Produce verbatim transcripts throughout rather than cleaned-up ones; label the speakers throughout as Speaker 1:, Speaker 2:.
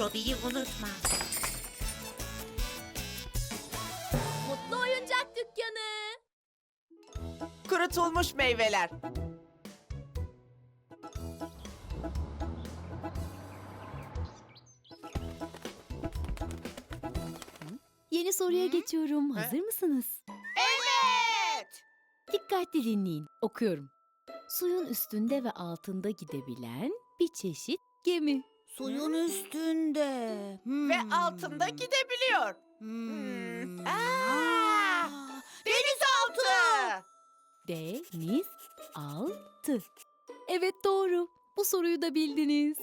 Speaker 1: Robi'yi unutma.
Speaker 2: Mutlu Oyuncak Dükkanı.
Speaker 3: Kurutulmuş meyveler.
Speaker 2: Yeni soruya geçiyorum. Hazır mısınız?
Speaker 3: Evet.
Speaker 2: Dikkatli dinleyin. Okuyorum. Suyun üstünde ve altında gidebilen bir çeşit gemi.
Speaker 4: Suyun üstünde. Hmm.
Speaker 3: Ve altında gidebiliyor.
Speaker 4: Hmm.
Speaker 3: Hmm. Aa, denizaltı.
Speaker 2: Deniz altı. Evet doğru. Bu soruyu da bildiniz.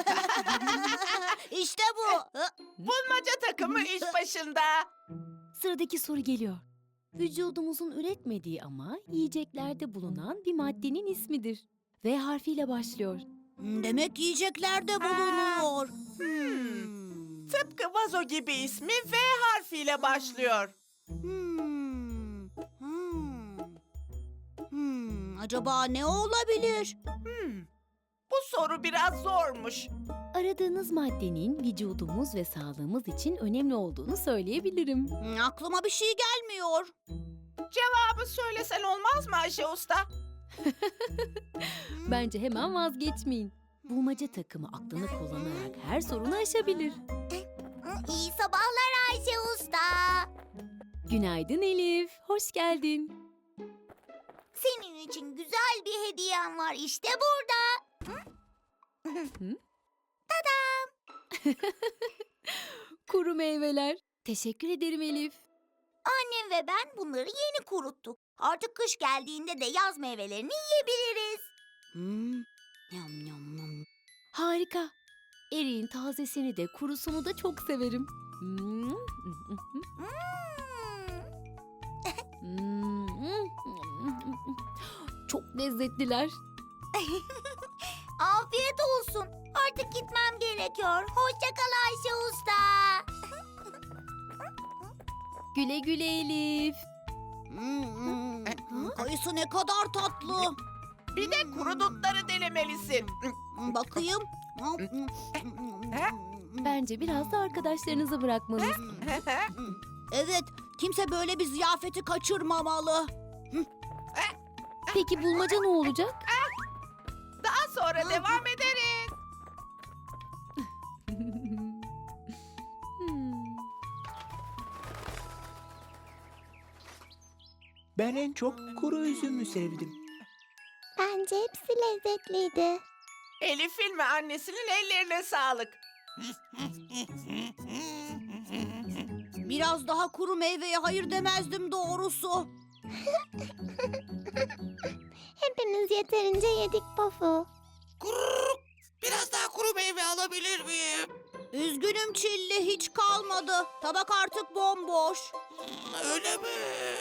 Speaker 4: İşte bu.
Speaker 3: Bulmaca takımı iş başında.
Speaker 2: Sıradaki soru geliyor. Vücudumuzun üretmediği ama yiyeceklerde bulunan bir maddenin ismidir. V harfiyle başlıyor.
Speaker 4: Demek yiyeceklerde bulunuyor.
Speaker 3: Hmm. Tıpkı vazo gibi ismi V harfiyle başlıyor.
Speaker 4: Hmm. Hmm. Hmm. Acaba ne olabilir?
Speaker 3: Hmm. Bu soru biraz zormuş.
Speaker 2: Aradığınız maddenin vücudumuz ve sağlığımız için önemli olduğunu söyleyebilirim.
Speaker 4: Hmm, Aklıma bir şey gelmiyor.
Speaker 3: Cevabı söylesen olmaz mı Ayşe Usta?
Speaker 2: Bence hemen vazgeçmeyin. Bulmaca takımı aklını kullanarak her sorunu aşabilir.
Speaker 4: İyi sabahlar Ayşe Usta.
Speaker 2: Günaydın Elif, hoş geldin.
Speaker 4: Senin için güzel bir hediyem var işte burada.
Speaker 2: Kuru meyveler. Teşekkür ederim Elif.
Speaker 4: Annem ve ben bunları yeni kuruttuk. Artık kış geldiğinde de yaz meyvelerini yiyebiliriz. Hmm. Yam yam yam.
Speaker 2: Harika. Eriğin tazesini de kurusunu da çok severim. Hmm.
Speaker 4: Hmm.
Speaker 2: Hmm. Çok lezzetliler.
Speaker 4: Afiyet olsun. Artık gitmem gerekiyor. Hoşça kal Ayşe Usta.
Speaker 2: Güle güle Elif.
Speaker 4: Hmm. Kayısı ne kadar tatlı.
Speaker 3: Bir de kuru dutları denemelisin.
Speaker 4: Bakayım.
Speaker 2: Bence biraz da arkadaşlarınıza bırakmalıyız.
Speaker 4: Evet, kimse böyle bir ziyafeti kaçırmamalı.
Speaker 2: Peki bulmaca ne olacak?
Speaker 3: Daha sonra devam ederiz.
Speaker 2: Hmm.
Speaker 5: Ben en çok kuru üzümü sevdim.
Speaker 6: Bence hepsi lezzetliydi.
Speaker 3: Elif'in ve annesinin ellerine sağlık.
Speaker 4: Biraz daha kuru meyveye hayır demezdim doğrusu.
Speaker 6: Hepimiz yeterince yedik Pofu.
Speaker 1: Biraz daha kuru meyve alabilir miyim?
Speaker 4: Üzgünüm Çilli, hiç kalmadı. Tabak artık bomboş.
Speaker 1: Öyle mi?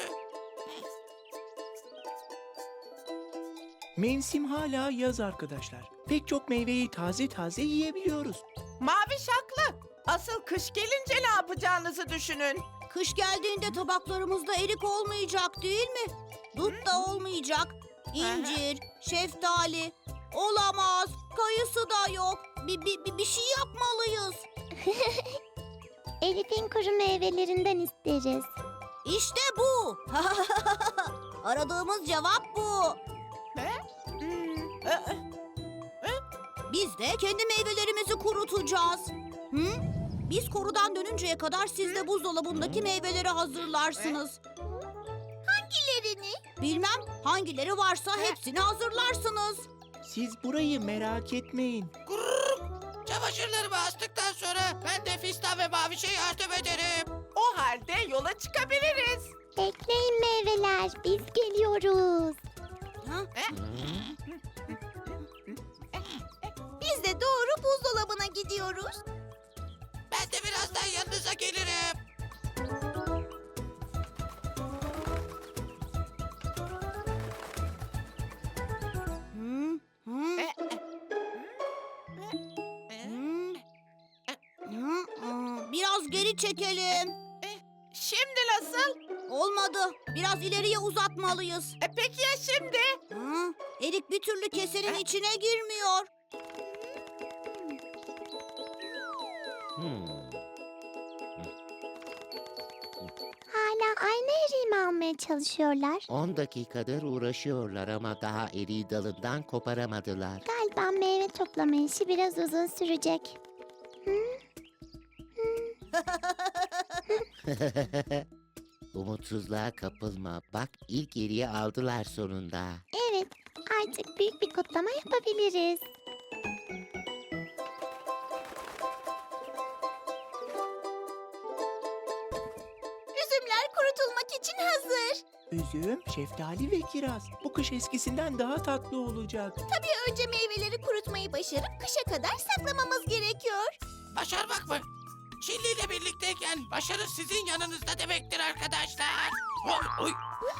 Speaker 5: Mevsim hala yaz arkadaşlar. Pek çok meyveyi taze taze yiyebiliyoruz.
Speaker 3: Maviş haklı. Asıl kış gelince ne yapacağınızı düşünün.
Speaker 4: Kış geldiğinde tabaklarımızda erik olmayacak değil mi? Dut da olmayacak. İncir, şeftali. Olamaz. Kayısı da yok. Bir, bir, bir, bir şey yapmalıyız.
Speaker 6: Elif'in kuru meyvelerinden isteriz.
Speaker 4: İşte bu. Aradığımız cevap bu.
Speaker 3: Hmm, ı-
Speaker 4: Biz de kendi meyvelerimizi kurutacağız. Hı? Biz korudan dönünceye kadar siz de buzdolabındaki meyveleri hazırlarsınız. Hangilerini? Bilmem. Hangileri varsa hepsini hazırlarsınız.
Speaker 5: Siz burayı merak etmeyin.
Speaker 1: Çamaşırlarımı astıktan sonra ben de Fistan ve Maviş'e yardım ederim.
Speaker 3: O halde yola çıkabiliriz.
Speaker 6: Bekleyin meyveler, biz geliyoruz.
Speaker 4: Ha?
Speaker 6: Biz de doğru buzdolabına gidiyoruz.
Speaker 1: Ben de birazdan yanınıza gelirim.
Speaker 4: Hı? Hı?
Speaker 3: E,
Speaker 4: Hı? Hı? Aa, Biraz geri çekelim.
Speaker 3: Şimdi nasıl?
Speaker 4: Olmadı. Biraz ileriye uzatmalıyız.
Speaker 3: E, peki ya şimdi?
Speaker 4: Hı? Erik bir türlü kesenin içine girmiyor.
Speaker 5: Hı?
Speaker 7: Hmm.
Speaker 6: Hala aynı eriği mi almaya çalışıyorlar?
Speaker 7: On dakikadır uğraşıyorlar ama daha eriği dalından koparamadılar.
Speaker 6: Galiba meyve toplama işi biraz uzun sürecek.
Speaker 7: Umutsuzluğa kapılma. Bak ilk eriği aldılar sonunda.
Speaker 6: Evet, artık büyük bir kutlama yapabiliriz. Üzümler kurutulmak için hazır.
Speaker 5: Üzüm, şeftali ve kiraz. Bu kış eskisinden daha tatlı olacak.
Speaker 6: Önce meyveleri kurutmayı başarıp kışa kadar saklamamız gerekiyor.
Speaker 1: Başarmak mı? Çilli ile birlikteyken başarı sizin yanınızda demektir arkadaşlar. Oy, oy.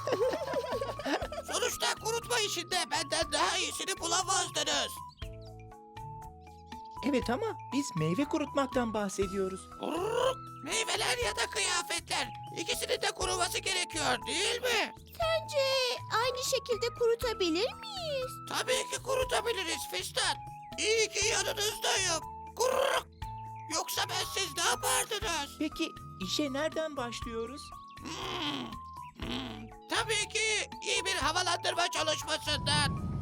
Speaker 1: Sonuçta kurutma işinde benden daha iyisini bulamazdınız.
Speaker 5: Evet ama biz meyve kurutmaktan bahsediyoruz.
Speaker 1: Gururuk. Meyveler ya da kıyafetler. İkisinin de kuruması gerekiyor değil mi?
Speaker 6: Bence aynı şekilde kurutabilir miyiz?
Speaker 1: Tabii ki kurutabiliriz Fistan. İyi ki yanınızdayım. Gururuk. Yoksa ben siz ne yapardınız?
Speaker 5: Peki işe nereden başlıyoruz?
Speaker 1: Hmm, hmm. Tabii ki iyi bir havalandırma çalışmasından.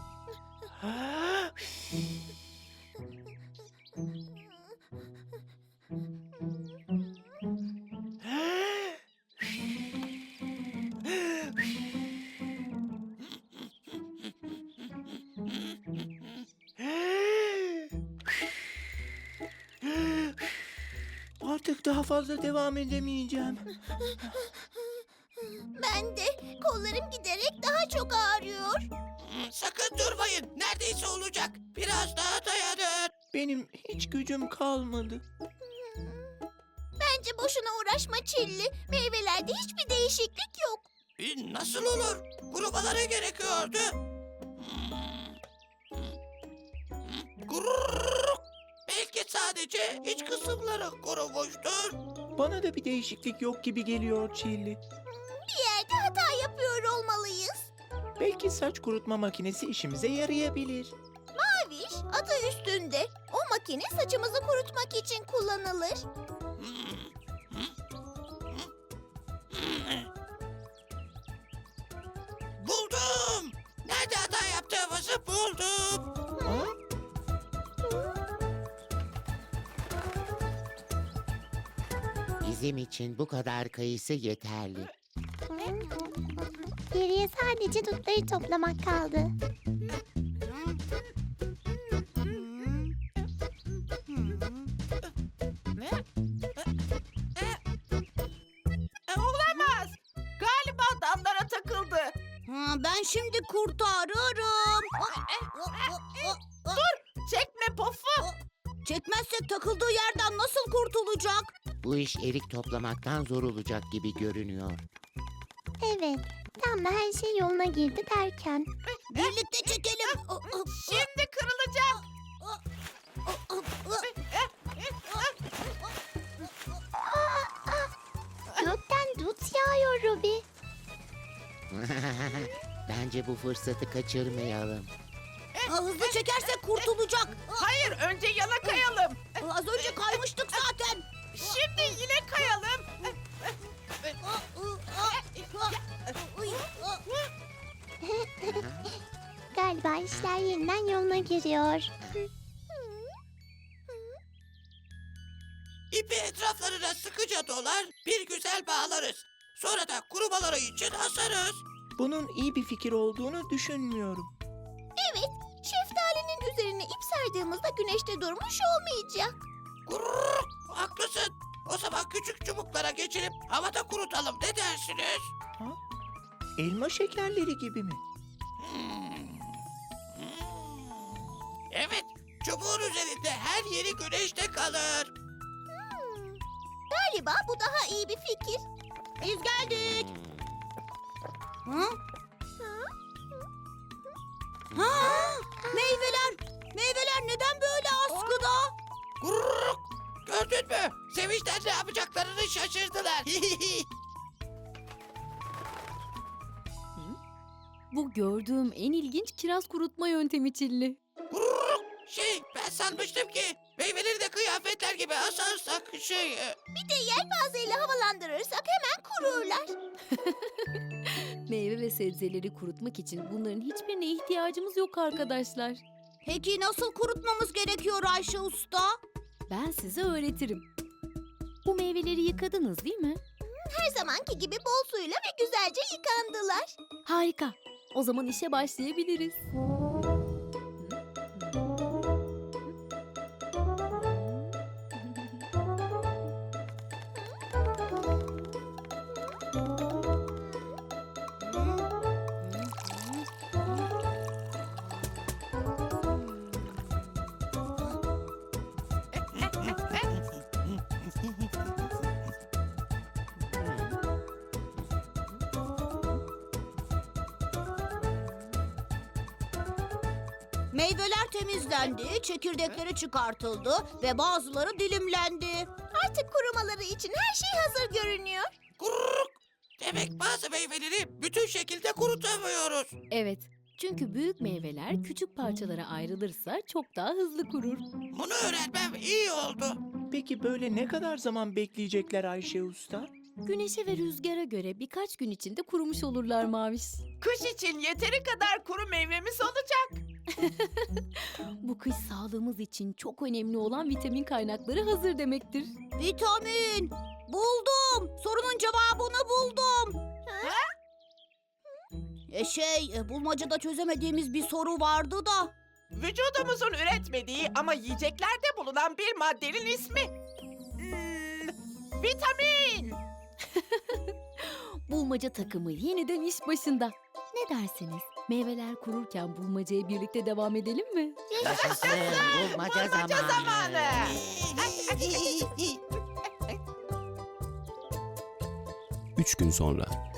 Speaker 5: Artık daha fazla devam edemeyeceğim.
Speaker 6: Ben de kollarım giderek daha çok ağrıyor.
Speaker 1: Hmm, Sakın durmayın. Neredeyse olacak. Biraz daha dayanın.
Speaker 5: Benim hiç gücüm kalmadı.
Speaker 6: Bence boşuna uğraşma Çilli. Meyvelerde hiçbir değişiklik yok.
Speaker 1: E, Nasıl olur? Kurumaları gerekiyordu. Gururuk. Belki sadece iç kısımları kurumuştur.
Speaker 5: Bana da bir değişiklik yok gibi geliyor Çilli.
Speaker 6: Bir yerde hata yapıyor olmalıyız.
Speaker 5: Belki saç kurutma makinesi işimize yarayabilir.
Speaker 6: Maviş adı üstünde. O makine saçımızı kurutmak için kullanılır.
Speaker 1: Buldum. Nerede hata yaptığımızı buldum.
Speaker 5: Ha?
Speaker 7: Bizim için bu kadar kayısı yeterli.
Speaker 6: Geriye sadece dutları toplamak kaldı.
Speaker 3: E, olamaz. Galiba dallara takıldı.
Speaker 4: Ha, ben şimdi kurtarırım.
Speaker 3: Çekme Pofu.
Speaker 4: Çekmezsek takıldığı yerden nasıl kurtulacak?
Speaker 7: Bu iş erik toplamaktan zor olacak gibi görünüyor.
Speaker 6: Evet, tam da her şey yoluna girdi derken.
Speaker 4: Birlikte çekelim.
Speaker 3: Şimdi kırılacak.
Speaker 6: Gökten dut yağıyor Ruby.
Speaker 7: Bence bu fırsatı kaçırmayalım.
Speaker 4: Ha, hızlı çekersek kurtulacak.
Speaker 3: Hayır, önce yana kayalım.
Speaker 4: Az önce kaymıştık zaten.
Speaker 3: Şimdi yine kayalım.
Speaker 6: Galiba işler yeniden yoluna giriyor.
Speaker 1: İpi etraflarına sıkıca dolar, bir güzel bağlarız. Sonra da kurumaları için asarız.
Speaker 5: Bunun iyi bir fikir olduğunu düşünmüyorum.
Speaker 6: Evet, şeftalinin üzerine ip sardığımızda güneşte durmuş olmayacak.
Speaker 1: Gururuk. Haklısın. O zaman küçük çubuklara geçirip havada kurutalım. Ne dersiniz?
Speaker 5: Elma şekerleri gibi mi?
Speaker 1: Evet, çubuğun üzerinde her yeri güneşte kalır.
Speaker 6: Galiba bu daha iyi bir fikir.
Speaker 4: Biz geldik. Ha? Ha? Meyveler. Meyveler neden böyle askıda?
Speaker 1: Gururuk. Gördün mü? Sevinçten ne yapacaklarını şaşırdılar.
Speaker 2: Bu gördüğüm en ilginç kiraz kurutma yöntemi Çilli.
Speaker 1: Gururuk. Şey, ben sanmıştım ki meyveleri de kıyafetler gibi asarsak şey... e,
Speaker 6: Bir de yelpazeyle havalandırırsak hemen kururlar.
Speaker 2: Meyve ve sebzeleri kurutmak için bunların hiçbirine ihtiyacımız yok arkadaşlar.
Speaker 4: Peki nasıl kurutmamız gerekiyor Ayşe Usta?
Speaker 2: Ben size öğretirim. Bu meyveleri yıkadınız değil mi?
Speaker 6: Her zamanki gibi bol suyla ve güzelce yıkandılar.
Speaker 2: Harika. O zaman işe başlayabiliriz.
Speaker 4: Meyveler temizlendi, çekirdekleri çıkartıldı ve bazıları dilimlendi.
Speaker 6: Artık kurumaları için her şey hazır görünüyor.
Speaker 1: Kurruk. Demek bazı meyveleri bütün şekilde kurutamıyoruz.
Speaker 2: Evet. Çünkü büyük meyveler küçük parçalara ayrılırsa çok daha hızlı kurur.
Speaker 1: Bunu öğrenmem iyi oldu.
Speaker 5: Peki böyle ne kadar zaman bekleyecekler Ayşe Usta?
Speaker 2: Güneşe ve rüzgara göre birkaç gün içinde kurumuş olurlar Maviş.
Speaker 3: Kış için yeteri kadar kuru meyvemiz olacak.
Speaker 2: Bu kış sağlığımız için çok önemli olan vitamin kaynakları hazır demektir.
Speaker 4: Vitamin! Buldum! Sorunun cevabını buldum. E şey, e, bulmacada çözemediğimiz bir soru vardı da.
Speaker 3: Vücudumuzun üretmediği ama yiyeceklerde bulunan bir maddenin ismi. Hmm, vitamin.
Speaker 2: Bulmaca takımı yeniden iş başında. Ne dersiniz? Meyveler kururken bulmacaya birlikte devam edelim mi?
Speaker 7: Yaşasın bulmaca
Speaker 3: Bulmaca
Speaker 7: zamanı.
Speaker 3: zamanı.
Speaker 8: Üç gün sonra.